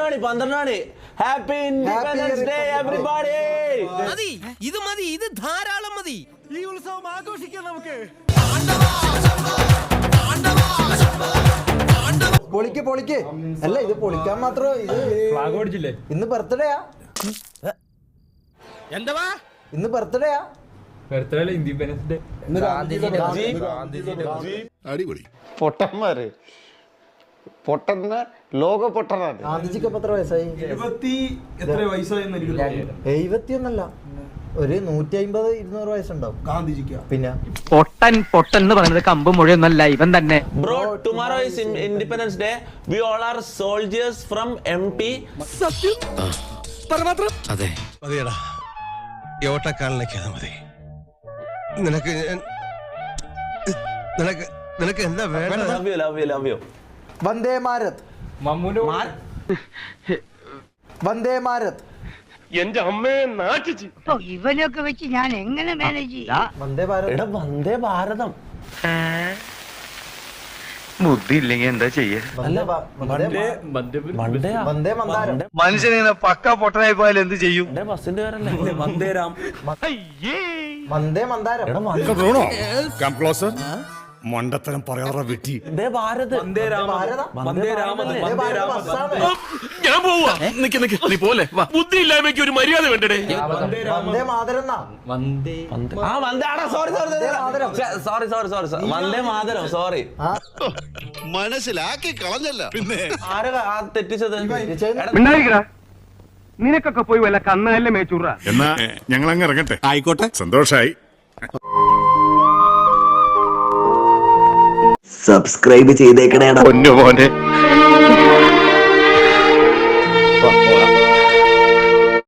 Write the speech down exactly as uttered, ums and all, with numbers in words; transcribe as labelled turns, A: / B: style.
A: മണി പന്ത്രണ്ട് മണി happy independence day everybody.
B: മതി ഇത് മതി ഇത് ധാരാളം മതി. ഈ ഉത്സവം ആഘോഷിക്കാം നമുക്ക്.
C: പൊളിക്ക് പൊളിക്ക്. അല്ല ഇത് പൊളിക്കാൻ മാത്രം ഇത് ഫ്ലാഗ് ഓടിച്ചില്ലേ? ഇന്ന് ബർത്ത്ഡേയാ?
B: എന്താ
C: ഇന്ന് ബർത്ത്ഡേയാ?
D: Birthday independence day.
E: അടിപൊളി.
F: പൊട്ടന്മാര് പൊട്ടന്ന ലോക പൊട്ടനാണ്.
C: ഗാന്ധിജിക്ക് എത്ര വയസ്സായി? എഴുപത്തിയൊന്നല്ല, ഒരു നൂറ്റി അമ്പത് ഇരുന്നൂറ് വയസ്സുണ്ടാവും ഗാന്ധിജിക്ക്. പിന്നെ
G: പൊട്ടൻ പൊട്ടൻ എന്ന് പറയുന്നത് കമ്പ് മുഴയൊന്നല്ല, ഇവൻ തന്നെ.
A: Bro tomorrow is independence day. We all are soldiers from M P.
B: സത്യം പരമാത്രം.
H: അതെ
B: മതിയടാ, യോട്ടക്കാലിനൊക്കെ മതി. നിനക്ക് നിനക്ക് നിനക്ക് എന്താ വേണ്ടത്?
A: Love you love you love you.
C: വന്ദേ ഭാരത്. വന്ദേ ഭാരത്.
F: എന്റെ അമ്മയെ നാട്ടിച്ച്
I: ഇവനൊക്കെ വെച്ച് ഞാൻ എങ്ങനെ മാനേജ് ചെയ്യും?
C: വന്ദേ ഭാരത്.
A: എടാ വന്ദേ ഭാരതം.
G: ബുദ്ധി ഇല്ലെങ്കിൽ എന്താ ചെയ്യാ?
C: വന്ദേ വന്ദേ മന്ദാരം.
F: മനുഷ്യനിങ്ങനെ പക്ക പൊട്ടനായി പോയാൽ എന്ത് ചെയ്യും?
A: ബസിന്റെ പേരല്ലേ വന്ദേരാം.
C: വന്ദേ മന്ദാരം.
E: Come closer. മണ്ടത്തരം പറയാറ വെട്ടി.
A: വന്ദേ ഭാരത്. വന്ദേ രാമ. വന്ദേ രാമ.
H: ഞാൻ പോവാ. നിക്ക് നിക്ക് നീ പോലെ ബുദ്ധി ഇല്ലായ്മയ്ക്ക് ഒരു മര്യാദ വേണ്ടേ?
C: വന്ദേ മാതരം.
D: വന്ദേ
A: ആ വന്ദേ ആടാ sorry sorry sorry sorry sorry sorry വന്ദേ മാതരം സോറി.
E: മനസ്സിലാക്കി കളഞ്ഞല്ല പിന്നെ
A: ആരാ ആ തെറ്റിച്ചത്?
G: നിനക്കൊക്കെ പോയി വല്ല കന്നല്ലേ മേച്ചൂറ.
E: എന്നാ ഞങ്ങൾ അങ്ങ് ഇറങ്ങട്ടെ. ആയിക്കോട്ടെ, സന്തോഷായി.
J: സബ്സ്ക്രൈബ് ചെയ്തേക്കണേടാ
G: പൊന്നു മോനെ.